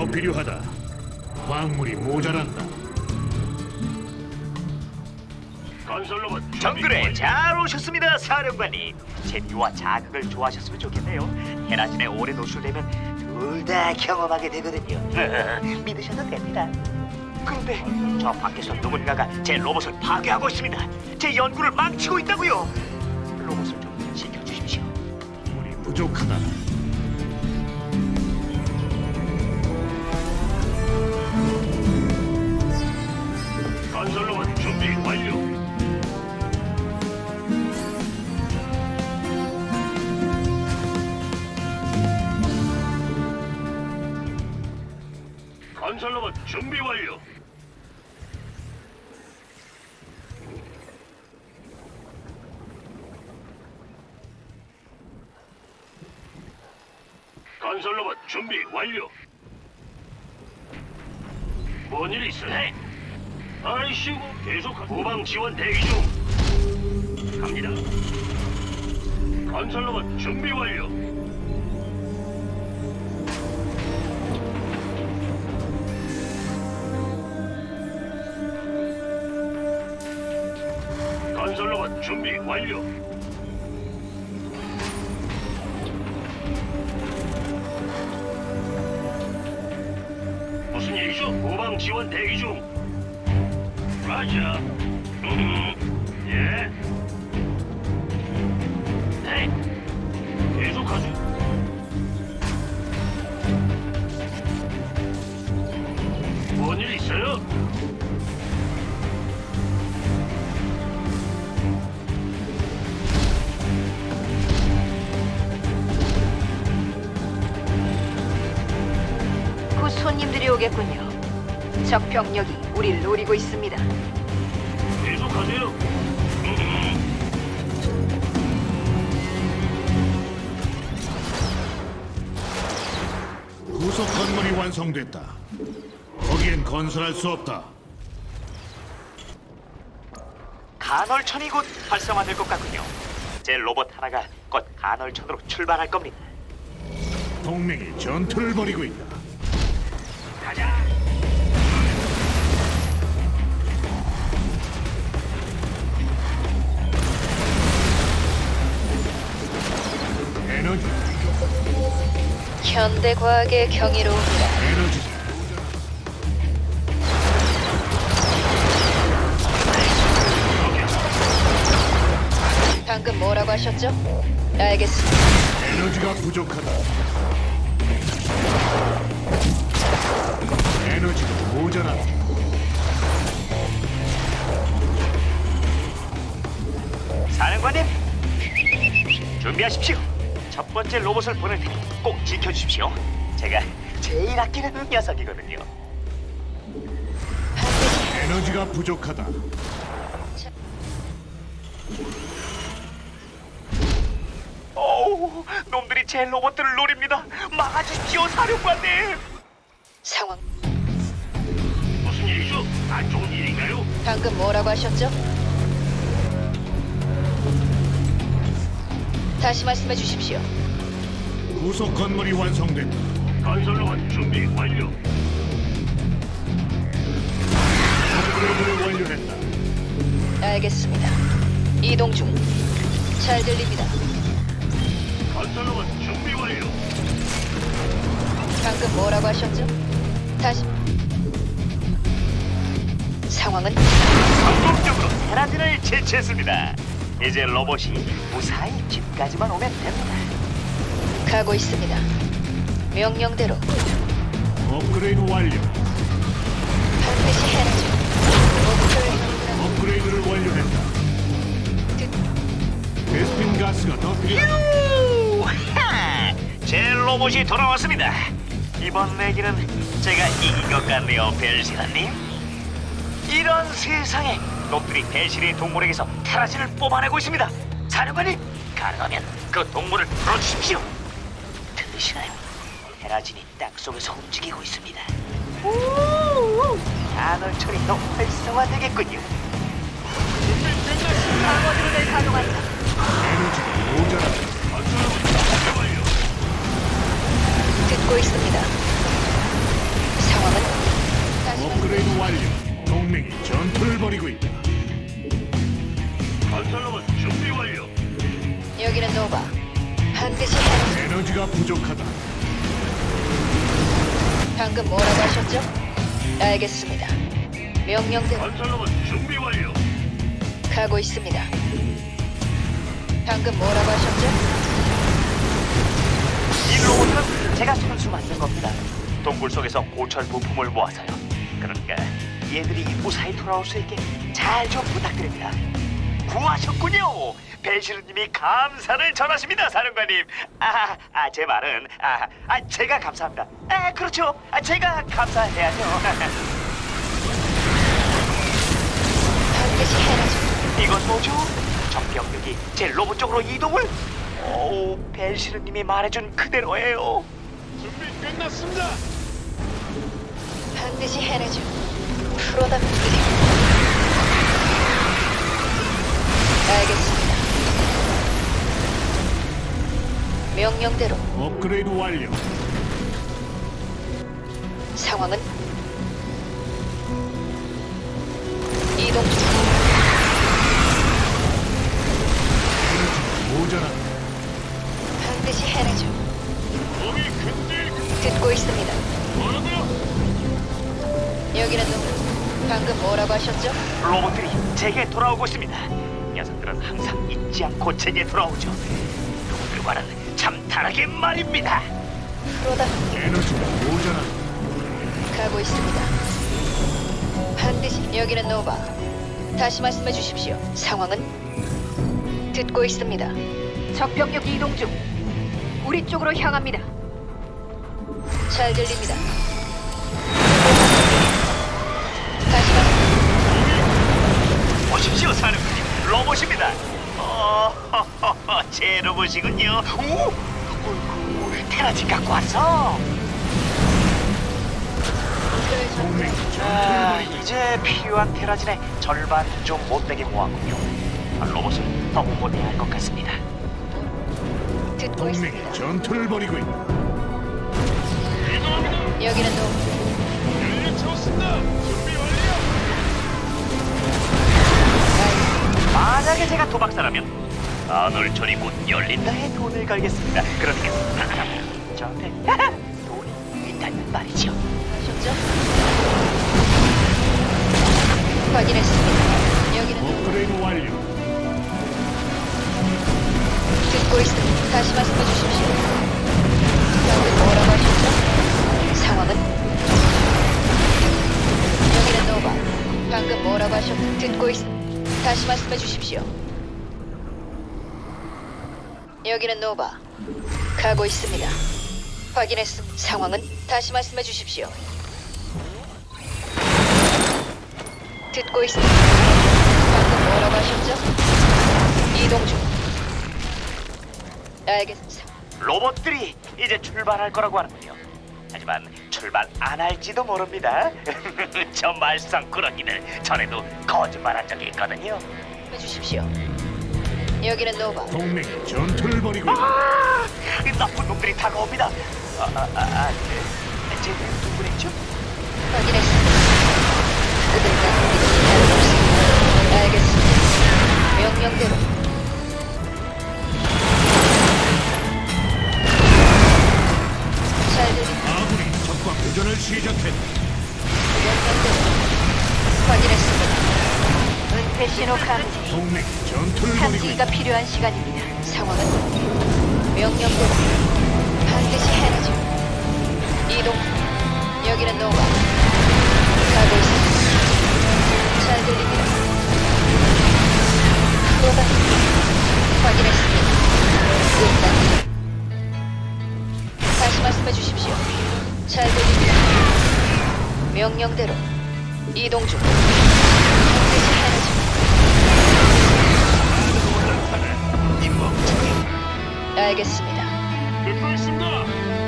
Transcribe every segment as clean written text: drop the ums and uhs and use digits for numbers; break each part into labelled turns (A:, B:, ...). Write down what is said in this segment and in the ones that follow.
A: 필요하다. 광물이 모자란다.
B: 건설로봇 준비
C: 정글에
B: 완료.
C: 잘 오셨습니다, 사령관님. 재미와 자극을 좋아하셨으면 좋겠네요. 헤라진에 오래 노출되면 둘 다 경험하게 되거든요. 믿으셔도 됩니다. 그런데 저 밖에서 누군가가 제 로봇을 파괴하고 있습니다. 제 연구를 망치고 있다고요. 로봇을 좀 지켜주십시오.
A: 광물이 부족하다.
B: 건설로봇 준비 완료. 건설로봇 준비 완료. 건설로봇 준비 완료. 뭔 일 있어? 네. 아이씨고 계속 후방 지원 대기 중. 갑니다. 건설로봇 준비 완료. 건설로봇 준비 완료. 무슨 일이죠? 후방 지원 대기 중. 라자. 예. 네. 계속하죠. 뭔 일 있어요?
D: 곧 손님들이 오겠군요. 적 병력이 우리를 노리고 있습니다.
B: 계속하세요.
A: 구속 건물이 완성됐다. 거기엔 건설할 수 없다.
C: 간헐천이 곧 활성화될 것 같군요. 제 로봇 하나가 곧 간헐천으로 출발할 겁니다.
A: 동맹이 전투를 벌이고 있다.
C: 가자.
A: 에너지,
D: 현대 과학의 경이로움이라.
A: 에너지.
D: 방금 뭐라고 하셨죠? 알겠습니다.
A: 에너지가 부족하다. 에너지가 모자란다.
C: 사령관님, 준비하십시오. 첫 번째 로봇을 보낼 테니 꼭 지켜주십시오. 제가 제일 아끼는 녀석이거든요.
A: 에너지가 부족하다.
C: 오우, 놈들이 제 로봇들을 노립니다. 막아주십시오, 사령관님.
D: 상황.
B: 무슨 일이죠? 안 좋은 일인가요?
D: 방금 뭐라고 하셨죠? 다시 말씀해 주십시오.
A: 구속 건물이 완성됐다.
B: 건설로봇 준비 완료.
A: 업그레이드를 완료했다.
D: 알겠습니다. 이동 중. 잘 들립니다.
B: 건설로봇 준비 완료.
D: 방금 뭐라고 하셨죠? 다시. 상황은
C: 성공적으로 테라진을 제치했습니다. 이제 로봇이 무사히 집까지만 오면 됩니다.
D: 가고 있습니다. 명령대로
A: 업그레이드 완료.
D: 반드시 해내죠. 목표를
A: 업그레이드를 완료했다. 베스핀 가스가 더 필요하다.
C: 유하! 제 로봇이 돌아왔습니다. 이번 내기는 제가 이긴 것 같네요, 벨시라님. 이런 세상에 놈들이 벨시리 동물에게서 테라진을 뽑아내고 있습니다. 사령관님, 가능하면 그 동물을 풀어주십시오. 들으시나요? 테라진이 땅 속에서 움직이고 있습니다. 간헐천이 더 활성화되겠군요.
D: 방어드론을 가동한다.
A: 에너지가 모자란다.
B: 건설로봇 준비 완료.
D: 듣고 있습니다.
A: 업그레이드 완료. 동맹이 전투를 벌이고 있다.
B: 건설로봇 준비 완료.
D: 여기는 노바. 반드시 해내죠.
A: 에너지가 부족하다.
D: 방금 뭐라고 하셨죠? 알겠습니다. 명령대로
B: 건설로봇 준비 완료.
D: 가고 있습니다. 방금 뭐라고 하셨죠?
C: 이 로봇은 제가 손수 만든 겁니다. 동굴 속에서 고철 부품을 모아서요. 그러니까 얘들이 무사히 돌아올 수 있게 잘 좀 부탁드립니다. 구하셨군요. 벨시르님이 감사를 전하십니다, 사령관님. 제 말은 제가 감사합니다. 그렇죠. 제가 감사해야죠.
D: 반드시 해내죠.
C: 이건 뭐죠? 적병력이 제 로봇 쪽으로 이동을? 오, 벨시르님이 말해준 그대로예요.
B: 준비 끝났습니다.
D: 반드시 해내죠. 프로답게. 알겠습니다. 명령대로
A: 업그레이드 완료.
D: 상황은 이동 중.
A: 에너지가 모자란다.
D: 반드시 해내죠.
B: 몸이 근질.
D: 듣고 있습니다.
B: 뭐라고요?
D: 여기는 누구? 방금 뭐라고 하셨죠?
C: 로봇들이 제게 돌아오고 있습니다. 녀석들은 항상 잊지 않고 제게 돌아오죠. 그들과는 참 다르게 말입니다.
D: 프로답게
A: 에너지가 모자란다.
D: 가고 있습니다. 반드시 여기는 노바. 다시 말씀해 주십시오. 상황은 듣고 있습니다. 적병력 이동 중. 우리 쪽으로 향합니다. 잘 들립니다. 다시 말씀.
C: 보십시오, 사령관님. 로봇입니다. 제 로봇이군요. 오, 어이구, 테라진 갖고 왔어.
A: 동맹이 전투를 벌이고 있다.
C: 이제 필요한 테라진의 절반 좀 못되게 모았군요. 로봇을 더 못해야 할 것 같습니다.
D: 듣고
A: 동맹이
D: 있습니다.
A: 전투를 벌이고 있다.
B: 이동합니다.
D: 여기는 노바.
B: 연료 채웠습니다. 준비 완료.
C: 만약에 제가 도박사라면 아놀촌이 곧 열린다에 돈을 걸겠습니다. 그러니까 저한테 돈이 있다는 말이죠.
D: 하셨죠? 확인했습니다. 여기는
A: 업그레이드 완료.
D: 듣고 있습니다. 다시 말씀해 주십시오. 방금 뭐라고 하셨죠? 상황은? 여기는 노바. 방금 뭐라고 하셨죠? 듣고 있습니다. 다시 말씀해 주십시오. 여기는 노바. 가고 있습니다. 확인했습니다. 상황은? 다시 말씀해 주십시오. 듣고 있습니다. 방금 뭐라고 하셨죠? 이동 중. 알겠습니다.
C: 로봇들이 이제 출발할 거라고 하는군요. 하지만 출발 안 할지도 모릅니다. 저 말썽꾸러기들 전에도 거짓말한 적이 있거든요.
D: 해주십시오. 여기는 노바.
A: 동맹이 전투를 벌이고 있다.
C: 나쁜 놈들이 다가옵니다. 제 누구랬죠?
D: 확인했습니다. 그들과 다름없습니다. 알겠습니다. 명령대로. 잘 들립니다.
A: 아군이 적과 교전을 시작했다.
D: 명령대로. 확인했습니다. 은폐 신호 감지.
A: 동맹이 전투를 벌이고
D: 탐지기가
A: 있다.
D: 필요한 시간입니다. 상황은 명령대로 반드시 해내죠. 이동. 여기는 노바. 가고 있습니다. 잘 들립니다. 노바. 확인했습니다. 끝납니다. 다시 말씀해 주십시오. 잘 들립니다. 명령대로 이동 중. 반드시 해내죠. 알겠습니다.
B: 듣고 있습니다.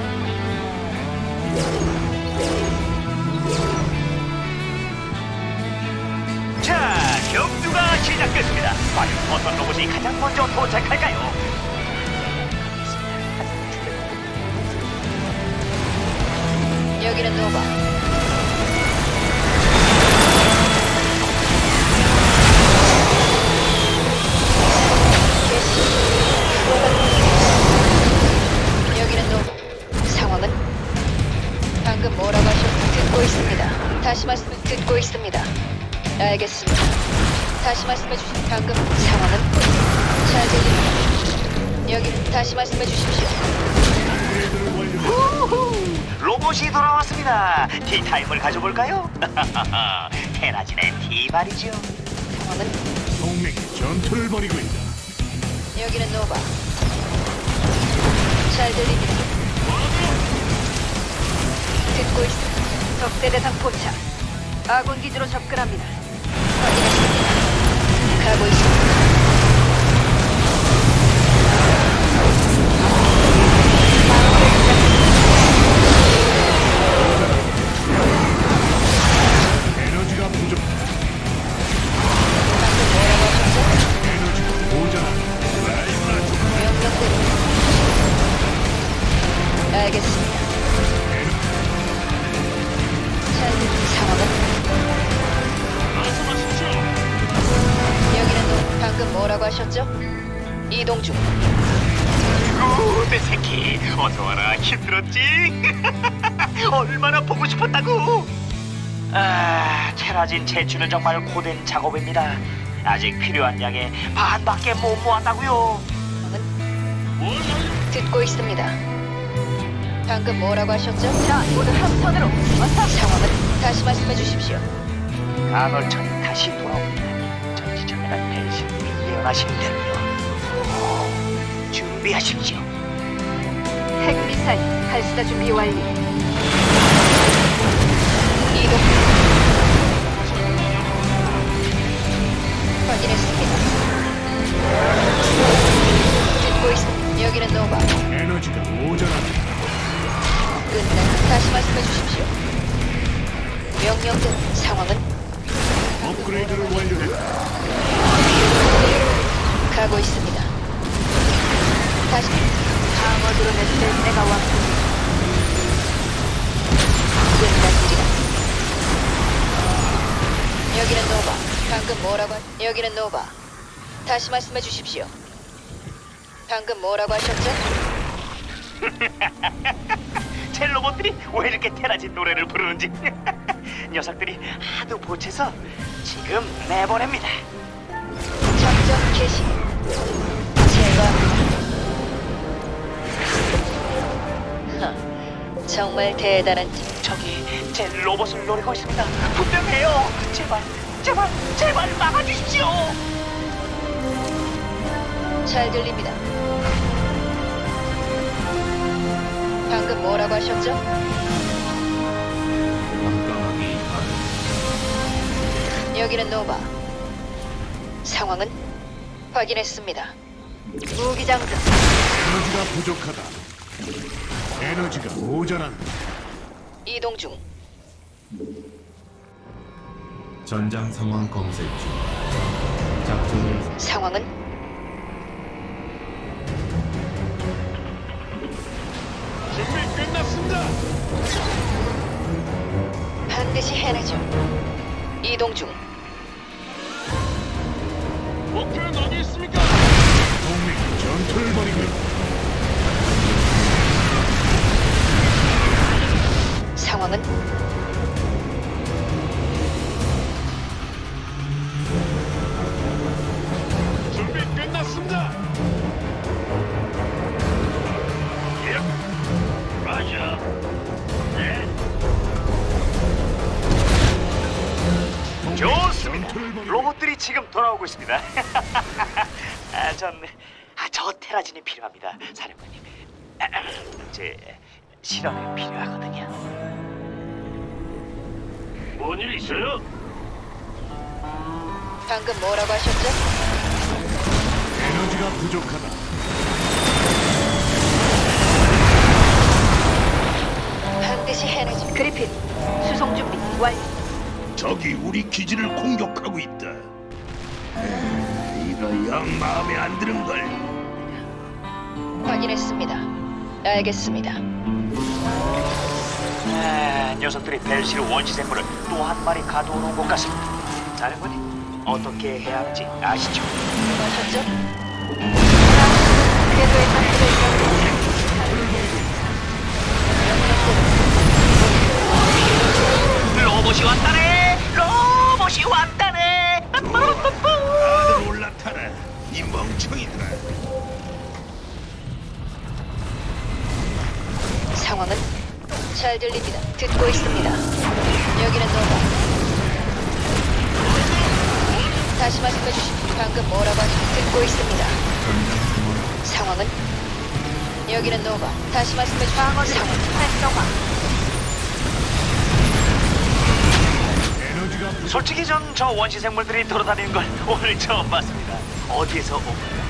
C: 자, 경주가 시작됐습니다. 과연 어떤 로봇이 가장 먼저 도착할까요?
D: 여기는 노바. 다시 말씀을 듣고 있습니다. 알겠습니다. 다시 말씀해 주십시오. 방금 상황은 잘 들립니다. 여기 다시 말씀해 주십시오.
C: 우후, 로봇이 돌아왔습니다. 티타임을 가져볼까요? 테라진의 티 말이죠.
D: 상황은
A: 동맹이 전투를 벌이고 있다.
D: 여기는 노바. 잘 들립니다. 듣고 있습니다. 적대 대상 포착. 아군 기지로 접근합니다. 확인했습니다. 가고 있습니다.
A: 에너지가 부족.
D: 방금 뭐라고 하셨죠?
A: 에너지가 모자란다.
D: 명령대로. 알겠습니다. 잘 들린 상황은
B: 말씀하십시오.
D: 여기는 노. 방금 뭐라고 하셨죠? 이동 중.
C: 오, 내 새끼, 어서 와라. 힘들었지? 얼마나 보고 싶었다고? 아, 테라진 채취는 정말 고된 작업입니다. 아직 필요한 양의 반밖에 못 모았다고요.
D: 듣고 있습니다. 방금 뭐라고 하셨죠? 자, 모두 함선으로. 어서. 상황은 다시 말씀해 주십시오.
C: 간헐천이 다시 돌아옵니다. 전지전능한 벨신님이 예언하신다며. 준비하십시오.
D: 핵미사일 발사 준비 완료. 이동. 확인했습니다. 듣고 있습니다. 여기는 노바.
A: 에너지가 모자란다.
D: 끝내 다시 말씀해 주십시오. 명령대로 상황은
A: 업그레이드를 완료했다.
D: 가고 있습니다. 다시 방어 드론을 내가 왔습니다. 끝난 일이다. 여기는 노바. 방금 뭐라고 여기는 노바. 다시 말씀해 주십시오. 방금 뭐라고 하셨죠?
C: 제 로봇들이 왜 이렇게 테라진 노래를 부르는지 녀석들이 하도 보채서 지금 내보냅니다.
D: 작전 개시. 제가 정말 대단한
C: 저기 제 로봇을 노리고 있습니다. 분명해요. 제발, 제발, 제발 막아주십시오.
D: 잘 들립니다. 방금 뭐라고 하셨죠? 여기는 노바. 상황은 확인했습니다. 무기 장전.
A: 에너지가 부족하다. 에너지가 모자란다.
D: 이동 중.
E: 전장 상황 검색 중. 작전을
D: 상황은
A: 준비 끝났습니다.
D: 반드시 해내죠. 이동 중.
A: 목표는 어디 있습니까? 동맹이 전투를 벌이고 있다.
D: 상황은
A: 준비 끝났습니다.
B: 예. 라자. 네.
C: 좋습니다.
A: 전투를 벌이고
C: 로봇들이 지금 돌아오고 있습니다. 저 테라진이 필요합니다, 사령관님. 제 실험에 필요하거든요.
B: 뭔 일 있어요?
D: 방금 뭐라고 하셨죠?
A: 에너지가 부족하다.
D: 반드시 해내죠. 그리핀 수송 준비 완료.
A: 적이 우리 기지를 공격하고 있다. 이거 영 마음에 안 드는 걸.
D: 확인했습니다. 알겠습니다.
C: 녀석들이 벨시르 원시 생물을 또 한 마리 가둬놓은 것 같습니다. 사령관님, 어떻게 해야 하는지 아시죠?
D: 뭐라고 하셨죠? 궤도에 상태를 명령대로.
C: 로봇이 왔다네. 로봇이 왔다네.
A: 다들 올라타라. 이 멍청이들아.
D: 상황은 잘 들립니다. 듣고 있습니다. 여기는 노바. 다시 말씀해 주십시오. 방금 뭐라고 하셨? 듣고 있습니다. 상황은 여기는 노바. 다시 말씀해 주십시오. 상황 활성화.
A: 에너지가
C: 솔직히 전 저 원시 생물들이 돌아다니는 걸 오늘 처음 봤습니다. 어디에서 온 거야?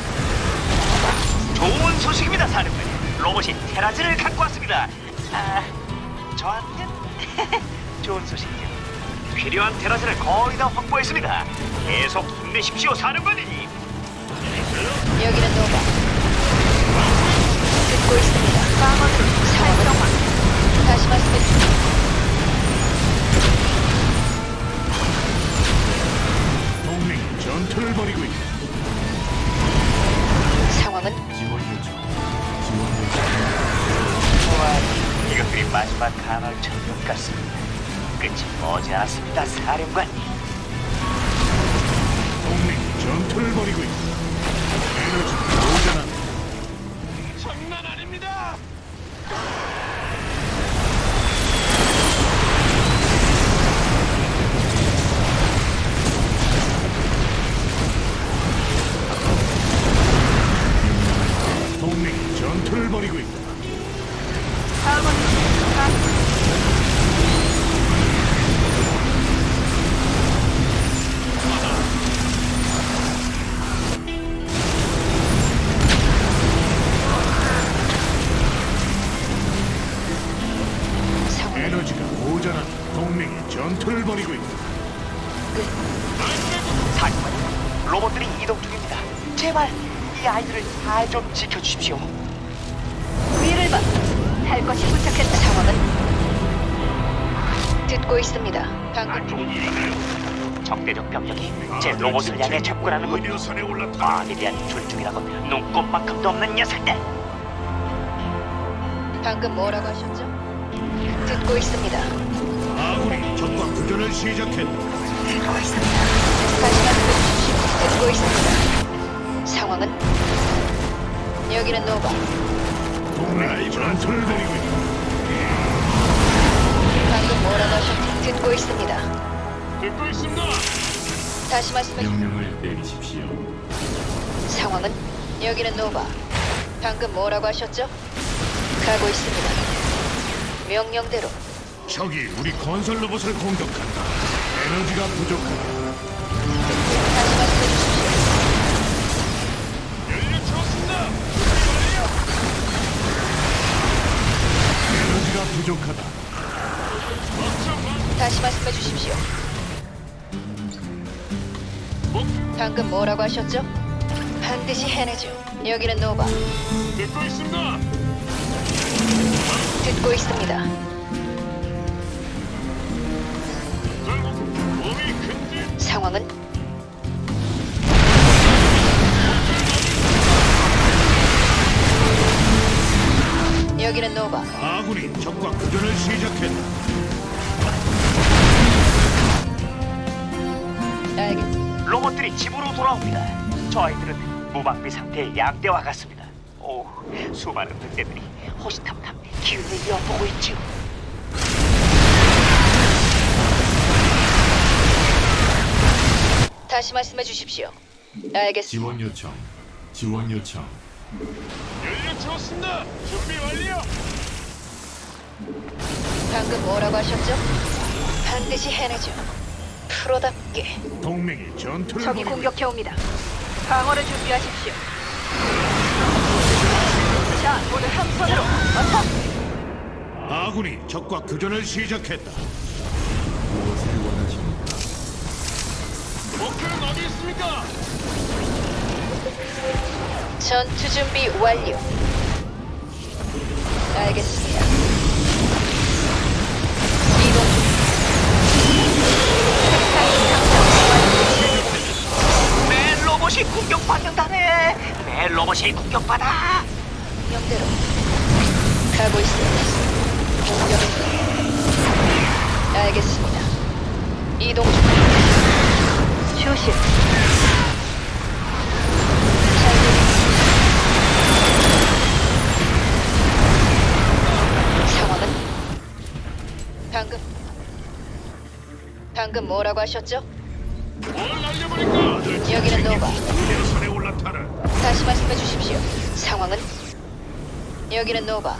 C: 좋은 소식입니다, 사령관님. 로봇이 테라즈를 갖고 왔습니다. 아, 저한텐 좋은 소식이죠. 필요한 테라즈를 거의 다 확보했습니다. 계속 힘내십시오, 사령관님.
D: 여기는 노바. 듣고 있습니다. 상황은 다시 말씀해 주십시오.
A: 동맹이 전투를 벌이고 있다.
D: 상황은
E: 지원 요청. 지원 요청.
C: 좋아, 이것들이 마지막 간헐천국 같습니다. 끝이 머지않았습니다, 사령관님.
A: 동맹이 전투를 벌이고 있다. 에너지가 모자란다.
B: 장난 아닙니다.
A: 동맹이 전투를 벌이고 있다.
D: 상황은
A: 에너지가 모자란다. 동맹이 전투를 벌이고 있다.
C: 사령관님, 로봇들이 이동 중입니다. 제발 이 아이들을 잘 좀 지켜주십시오.
D: 위를 봐. 할 것이 도착했다. 상황은 듣고 있습니다. 방금
B: 안 좋은 일인가요?
C: 적대적 병력이 제 로봇을 향해 접근하는군요.
A: 의료선에 올라타.
C: 마음에 대한 존중이라고 눈꼽만큼도 없는 녀석들.
D: 방금 뭐라고 하셨죠? 듣고 있습니다.
A: 아군이 적과 교전을 시작했다.
D: 다시 말씀해 주십시오. 듣고 있습니다. 상황은 여기는 노바.
A: 동맹이 전투를 벌이고 있다.
D: 방금 뭐라고 하셨죠? 듣고 있습니다.
B: 듣고 있습니다.
D: 다시 말씀해 주십시오.
E: 명령을 내리십시오.
D: 상황은 여기는 노바. 방금 뭐라고 하셨죠? 가고 있습니다. 명령대로
A: 적이 우리 건설 로봇을 공격한다. 에너지가 부족하다.
D: 다시 말씀해 주십시오.
B: 연료 채웠습니다.
A: 에너지가 부족하다.
D: 다시 말씀해 주십시오. 방금 뭐라고 하셨죠? 반드시 해내죠. 여기는 노바.
B: 듣고 있습니다.
D: 듣고 있습니다.
B: 결국 몸이 근질.
D: 상황은 여기는 노바.
A: 아군이 적과 교전을 시작했다.
D: 알겠습니다.
C: 로봇들이 집으로 돌아옵니다. 저 아이들은 무방비 상태의 양대와 같습니다. 오, 수많은 늑대들이 호시탐탐 기운을 엿보고 있죠.
D: 다시 말씀해 주십시오. 알겠습니다.
E: 지원 요청. 지원 요청.
B: 연료 채웠습니다. 준비 완료.
D: 방금 뭐라고 하셨죠? 반드시 해내죠. 프로답게.
A: 동맹이 전투를
D: 적이
A: 벌이고
D: 공격해 옵니다. 방어를 준비하십시오. 자, 모두 한 손으로 어서.
A: 있다. 아군이 적과 교전을 시작했다.
E: 무엇을 원하십니까?
B: 목표는 어디 있습니까?
D: 전투 준비 완료. 알겠습니다. 이동 중.
C: 내 로봇이 공격받는다네. 내 로봇이 공격받아.
D: 명대로 가고 있습니다. 공격은 알겠습니다. 이동 중. 휴식. 잘 들립니다. 상황은? 방금 뭐라고 하셨죠?
A: 뭘 날려버릴까?
D: 여기는 노바.
A: 산에 올라타라.
D: 다시 말씀해 주십시오. 상황은? 여기는 노바.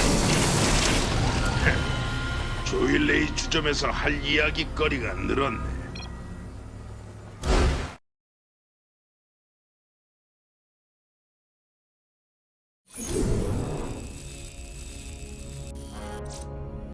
A: 조일레이 주점에서 할 이야기거리가 늘었네.